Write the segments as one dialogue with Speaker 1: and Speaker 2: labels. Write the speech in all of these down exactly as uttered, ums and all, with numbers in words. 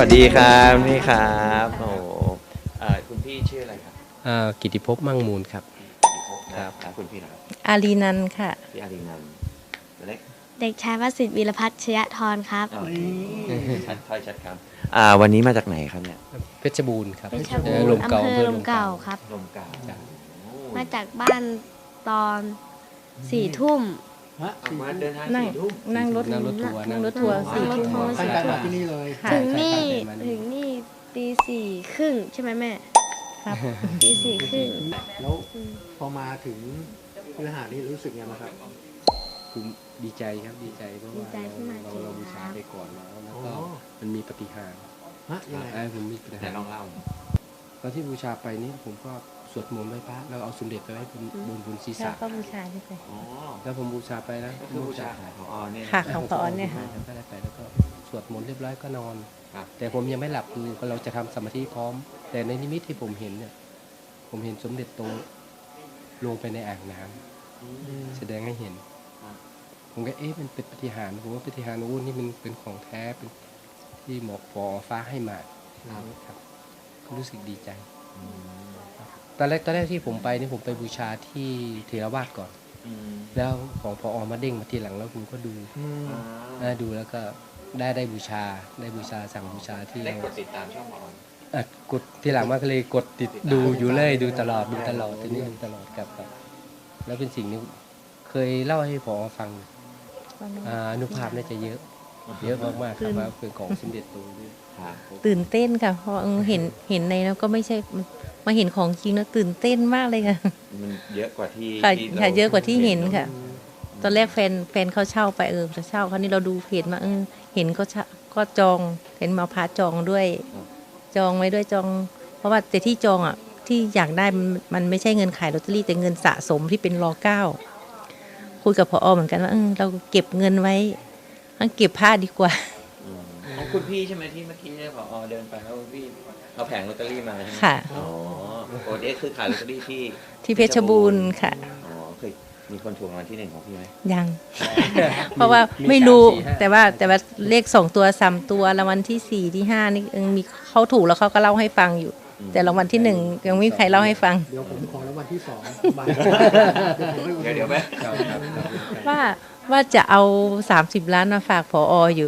Speaker 1: วัสดีครับนี่ครับโอ้โหเอ่อคุณพี่ชื่ออะไรครับ
Speaker 2: อ่ากิติภพมั่งมูลครับ
Speaker 1: ครับครับคุณพี่นะครับ
Speaker 3: อารีนันท์ค่ะ
Speaker 1: พี่อารีนันท์ตัวเล็ก
Speaker 4: เด็กชายวสิทธิ์วีรพัฒน์ชยธรครับ
Speaker 1: โอเคชัดถ้อยชัดครับอ่าวันนี้มาจากไหนครับเนี่ย
Speaker 2: เพชรบูรณ์ครับ
Speaker 4: เพชรบูรณ์
Speaker 2: เอ่อลมเก่า
Speaker 4: อำเภอลมเก่า
Speaker 2: อำภอ
Speaker 4: ครับ
Speaker 1: ลมเก่า
Speaker 2: จ้ะ
Speaker 4: มาจากบ้านตอนสี่ทุ่ม
Speaker 5: ฮะ
Speaker 1: ออกมาเดินทาง
Speaker 3: นั่ง
Speaker 1: สี่ทุ่ม
Speaker 3: นั่งรถ
Speaker 2: นั่งรถทัวร์
Speaker 3: นั่งรถทัวร์
Speaker 4: นั่
Speaker 3: สี่
Speaker 4: งรถ
Speaker 3: ทุ่ม
Speaker 4: ทัวร์
Speaker 5: ตั้งใจมาที่นี่เลย
Speaker 3: ค่ะ
Speaker 4: ถึงนี่
Speaker 2: ใช่
Speaker 4: ถึงนี่ตีสี่ครึ่งใช่ไหมแม่
Speaker 3: ครับ
Speaker 4: ตีสี่ครึ่ง
Speaker 5: แล้วพอมาถึงคือหาดนี่รู้สึกยังไงบ้างครับ
Speaker 2: ภูมิดีใจครับดีใจเพราะว่าเราเราเราบูชาไปก่อนแล้วแล้วก็
Speaker 5: อ๋อ
Speaker 2: มันมีปฏิหารย์
Speaker 5: ฮะยังไง
Speaker 2: ไอ้ผมมีปฏิ
Speaker 1: แต่
Speaker 2: หารย์
Speaker 1: ลองเล่า
Speaker 2: ตอนที่บูชาไปนี่ผมก็สวดมนต์ไหว้พระแล้วเอาสมเด็จไปไว้บนบนบนศีร
Speaker 3: แล้ว
Speaker 2: ษะ
Speaker 3: ก็บูชาด้วยกัน
Speaker 1: อ๋อ
Speaker 2: แล้วผมบูชาไปแล้ว
Speaker 1: ก็คือบูชาของพอเนี่ย
Speaker 3: ค่ะ ของพอเนี่ยค่ะ
Speaker 2: แล้วก็ได้ไปแล้วก็สวดมนต์เรียบร้อยก็นอน
Speaker 1: ครับ
Speaker 2: แต่ผมยังไม่หลับคือเราจะทำสมาธิพร้อม แต่ในนิมิตที่ผมเห็นเนี่ย ผมเห็นสมเด็จตรงลงไปในอ่างน้ำแสดงให้เห็น ผมก็เอ๊ะมันเป็นปฏิหารย์ผมว่าปฏิหารย์โอ้นี่มันเป็นของแท้เป็นที่หมอกปอฟ้าให้มาครับก็รู้สึกดีใจตอนแรกตอนแรกที่ผมไปนี่ผมไปบูชาที่เทรวาสก่อน
Speaker 1: อืม
Speaker 2: แล้วของพออมาเด้งมาทีหลังแล้วผมก็ดู
Speaker 5: อืม
Speaker 1: อ่า
Speaker 2: อ่าดูแล้วก็ได้ได้บูชาได้บูชาสั่งบูชาที่
Speaker 1: ได้กดติดตามช่องพอ
Speaker 2: อ่ะกดที่หลังมาก็เลยกดติดดูอยู่เลยดูตลอดดูตลอดทีนี้ดูตลอดกับครับแล้วเป็นสิ่งนี้เคยเล่าให้พอฟังอ่าอนุภาพน่าจะเยอะ เยอะมากๆครับว่าเป็นของสมเด็จโตด้วย
Speaker 1: ครับ
Speaker 3: ตื่นเต้นค่ะ เพราะเออเห็นเห็นในแล้วก็ไม่ใช่มาเห็นของจริงแล้วตื่นเต้นมากเลยค่ะ
Speaker 1: มันเยอะกว่าที่
Speaker 3: ค่ะ
Speaker 1: ที่
Speaker 3: ค่ะ
Speaker 1: รา
Speaker 3: เยอะกว่าที่เห็นค่ะ ตอนแรกแฟนแฟนเขาเช่าไปเออจะเช่าคราวนี้เราดูเพจมาเออเห็นก็เช่าก็จองเห็นมาพาจองด้วย จองไว้ด้วยจอง เพราะว่าแต่ที่จองอ่ะที่อยากได้มันมันไม่ใช่เงินขายลอตเตอรี่แต่เงินสะสมที่เป็นรอเก้าคุยกับพอเหมือนกันว่าเออเราเก็บเงินไว้งั้นเก็บผ้าดีกว่า
Speaker 1: อืมของคุณพี่ใช่ไหมที่เมื่อกี้เนี่ยพอเดินไปแล้วพี่เอาแผงลอตเตอรี่มาใช่ไหม
Speaker 3: ค่ะ
Speaker 1: อ๋อโอ้เด็กคือขายลอตเตอรี่ที่
Speaker 3: ที่เพชรบูรณ์ค่ะ
Speaker 1: อ๋อเคยมีคนถูกรางวัลที่หนึ่งของพี่ไหม
Speaker 3: ยัง เพราะว่าไม่รู้
Speaker 2: สาสี่ห้า
Speaker 3: แต่ว่าแต่ว่าเลขสองตัวสามตัวรางวัลที่สี่ที่ห้านี่เออมีเขาถูกแล้วเขาก็เล่าให้ฟังอยู่ แต่รางวัลที่หนึ่งยังไม่มีใครเล่าให้ฟัง
Speaker 5: เดี๋ยวผมขอรางวัลที่สองใบ
Speaker 1: เดี๋ยวเดี๋ยวไหม
Speaker 2: ครับครับครับ
Speaker 3: ว่าว่าจะเอาสามสิบล้านมาฝากพออยู่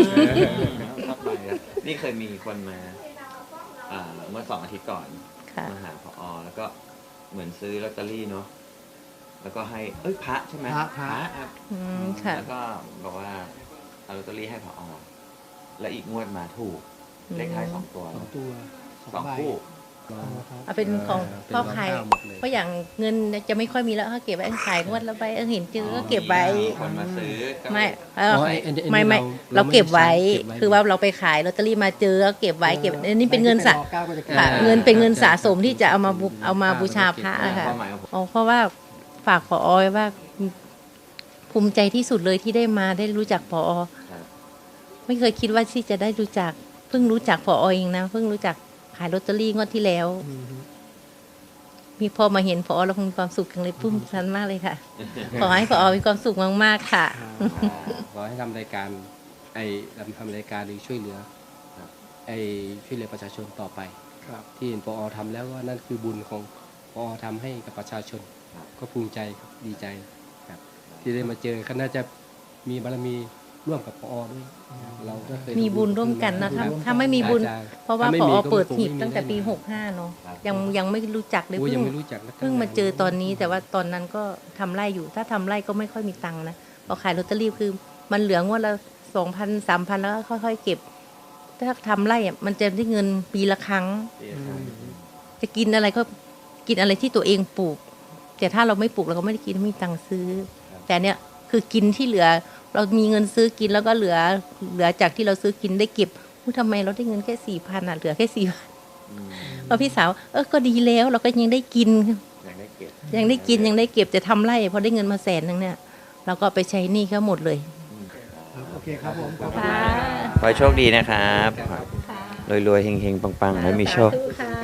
Speaker 1: นี่เคยมีคนมาอ่าเมื่อสองอาทิตย์ก่อน
Speaker 3: ค่ะ
Speaker 1: มาหาพอแล้วก็เหมือนซื้อลอตเตอรี่เนาะแล้วก็ให้เอ้ยพระใช่ไหม
Speaker 5: พระพระ
Speaker 1: ครับ
Speaker 3: อืมค่ะ
Speaker 1: แล้วก็บอกว่าเอาลอตเตอรี่ให้พอแล้วอีกงวดมาถูกเลขท้ายสองตัว
Speaker 5: สองตัว
Speaker 1: สอง
Speaker 5: ใบ
Speaker 1: คู่
Speaker 5: อ๋อครับ
Speaker 3: เอาเป็นของ
Speaker 2: เป็น
Speaker 3: พ่อขาย
Speaker 2: รองเท้าหมดเลย
Speaker 3: เพราะอย่างเงินจะไม่ค่อยมีแล้วเขาเก็บไว้ขายงวดแล้วไปเออเห็นจื้อก็เก็บไว้
Speaker 1: มีคนมาซื้อก็
Speaker 3: ไม่เออ
Speaker 2: อ๋อไอ้อันนี้อันนี้
Speaker 3: ไม่ไม่
Speaker 2: เรา
Speaker 3: เราเก็บไว้
Speaker 2: เราไม่ได้ใช้เก็บไว้
Speaker 3: คือว่าเราไปขายลอตเตอรี่มาเจอก็เก็บไว้เก็บอันนี้เป็นเงินสะ
Speaker 5: ใบที่ป็รอเก้าก็จะเก็บ
Speaker 3: ค่ะ
Speaker 2: อ่า
Speaker 3: เงินเป็นเงินสะสมที่จะเอามาบูเอามาบูชาพระอะค่ะ
Speaker 1: ความหมายของผม
Speaker 3: อ๋อเพราะว่าฝากพอไว้ว่าภูมิใจที่สุดเลยที่ได้มาได้รู้จักพอ
Speaker 1: ครับ
Speaker 3: ไม่เคยคิดว่าที่จะได้รู้จักเพิ่งรู้จักพอเองนะเพิ่งรู้จักขายลอตเตอรี่งวดที่แล้ว
Speaker 5: อืม
Speaker 3: มีพอมาเห็นพอเราคงมีความสุขจังเลยปุ้มชันมากเลยค่ะ ขอให้พอมีความสุขมากๆค่ะ
Speaker 2: ขอให้ทำรายการไอ้ทำรายการหรือช่วยเหลือ
Speaker 1: ครับ
Speaker 2: ไอ้ช่วยเหลือประชาชนต่อไป
Speaker 5: ครับ
Speaker 2: ที่เห็นปอทำแล้วก็นั่นคือบุญของปอทำให้กับประชาชน ก็ภูมิใจครับดีใจครับที่ได้มาเจอก็น่าจะมีบารมีร่วมกับปอด้วยเราก็เคย
Speaker 3: มีบุญร่วมกันนะถ้าถ้าไม่มีบุญ
Speaker 2: อาจารย์
Speaker 3: เพราะว่า
Speaker 2: ถ้ไม่
Speaker 3: พ
Speaker 2: มี
Speaker 3: อ
Speaker 2: ก็
Speaker 3: เปิด
Speaker 2: คง
Speaker 3: หีบ
Speaker 2: ไม่มี
Speaker 3: ตั้งแต่ปี
Speaker 2: แน่นอน
Speaker 3: หกห้าเนาะ
Speaker 1: ครับ
Speaker 3: ยังยังไม่รู้จักเลย
Speaker 2: โอ้
Speaker 3: เพิ่
Speaker 2: ยัง
Speaker 3: ง
Speaker 2: ไม่รู้จักนะ
Speaker 3: เพิ่งมาเจอตอนนี้ แต่ว่าตอนนั้นก็ทำไร่อยู่ ถ้าทำไร่ก็ไม่ค่อยมีตังค์นะพอขายลอตเตอรี่คือมันเหลืองวดละสองพันสามพันแล้วก็ค่อยๆเก็บ ถ้าทำไร่อะมันจะได้เงินปีละครั้ง จะกินอะไรก็กินอะไรที่ตัวเองปลูก แต่ถ้าเราไม่ปลูกเราก็ไม่ได้กินไม่มีตังค์ซื้อ แต่เนี้ยคือกินที่เหลือ เรามีเงินซื้อกินแล้วก็เหลือเหลือจากที่เราซื้อกินได้เก็บอุ๊ยทำไมเราได้เงินแค่สี่พันอ่ะเหลือแค่สี่พัน
Speaker 1: อืม
Speaker 3: พอพี่สาวเออก็ดีแล้วเราก็ยังได้กิน
Speaker 1: อยากได้เก็บ
Speaker 3: ยังได้กินยังได้เก็บแต่ทำไร่พอได้เงินมาแสนนึงเนี่ยเราก็เอาไปใช้หนี้เขาหมดเลย
Speaker 5: ครับโอเคครับผมขอบคุณ
Speaker 3: ค่ะ
Speaker 1: ขอให้โชคดีนะครับรวยๆเฮงๆปังๆแล้วมีโชค
Speaker 3: สาธุค่ะ